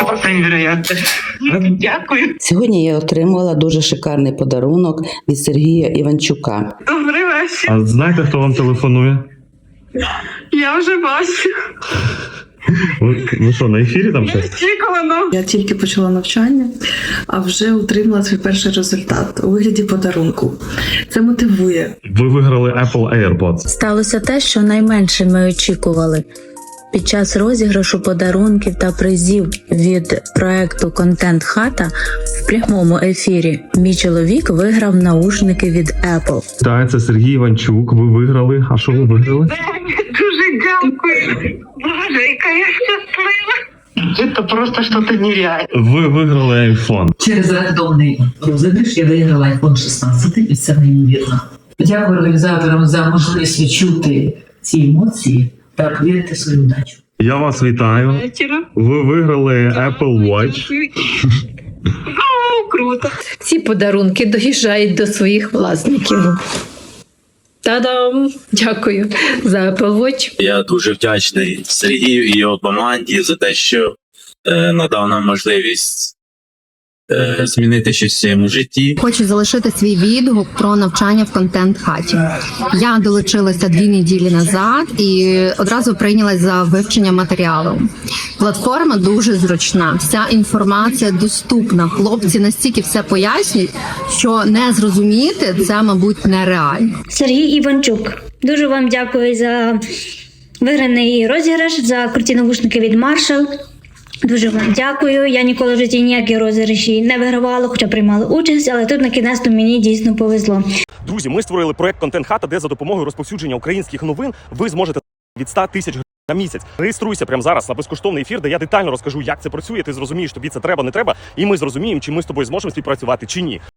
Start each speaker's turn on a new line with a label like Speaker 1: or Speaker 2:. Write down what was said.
Speaker 1: просто невероятно. Дякую.
Speaker 2: Сьогодні я отримала дуже шикарний подарунок від Сергія Іванчука.
Speaker 1: Добрий вечір.
Speaker 3: А знаєте, хто вам телефонує?
Speaker 1: Я вже бачу.
Speaker 3: Ви що, на ефірі там щось?
Speaker 1: Очікувано.
Speaker 4: Я тільки почала навчання, а вже отримала свій перший результат у вигляді подарунку. Це мотивує.
Speaker 3: Ви виграли Apple AirPods.
Speaker 5: Сталося те, що найменше ми очікували. Під час розіграшу подарунків та призів від проекту «Контент Хата» в прямому ефірі мій чоловік виграв наушники від Apple.
Speaker 3: Так, це Сергій Іванчук. Ви виграли. А що ви виграли?
Speaker 1: Дуже дякую. Боже, яка я щаслива. Це просто щось нереальне.
Speaker 3: Ви виграли iPhone.
Speaker 6: Через рандомний розіграш я виграла iPhone 16, і це неймовірно. Дякую організаторам за можливість відчути ці емоції та повірити в свою удачу.
Speaker 3: Я вас вітаю.
Speaker 1: Вечора.
Speaker 3: Ви виграли Apple Watch.
Speaker 1: О, круто.
Speaker 7: Ці подарунки доїжджають до своїх власників. Та-дам! Дякую за Apple Watch.
Speaker 8: Я дуже вдячний Сергію і його команді за те, що надав нам можливість змінити щось в своєму житті.
Speaker 9: Хочу залишити свій відгук про навчання в контент-хаті. Я долучилася 2 неділі назад і одразу прийнялась за вивчення матеріалу. Платформа дуже зручна, вся інформація доступна. Хлопці настільки все пояснюють, що не зрозуміти це, мабуть, нереально.
Speaker 10: Сергій Іванчук, дуже вам дякую за виграний розіграш, за круті навушники від Marshall. Дуже вам дякую. Я ніколи в житті ніякі розіграші не вигравала, хоча приймала участь, але тут на кінець мені дійсно повезло.
Speaker 11: Друзі, ми створили проект «Контент Хата», де за допомогою розповсюдження українських новин ви зможете від 100 тисяч гривень на місяць. Реєструйся прямо зараз на безкоштовний ефір, де я детально розкажу, як це працює, ти зрозумієш, тобі це треба, не треба, і ми зрозуміємо, чи ми з тобою зможемо співпрацювати, чи ні.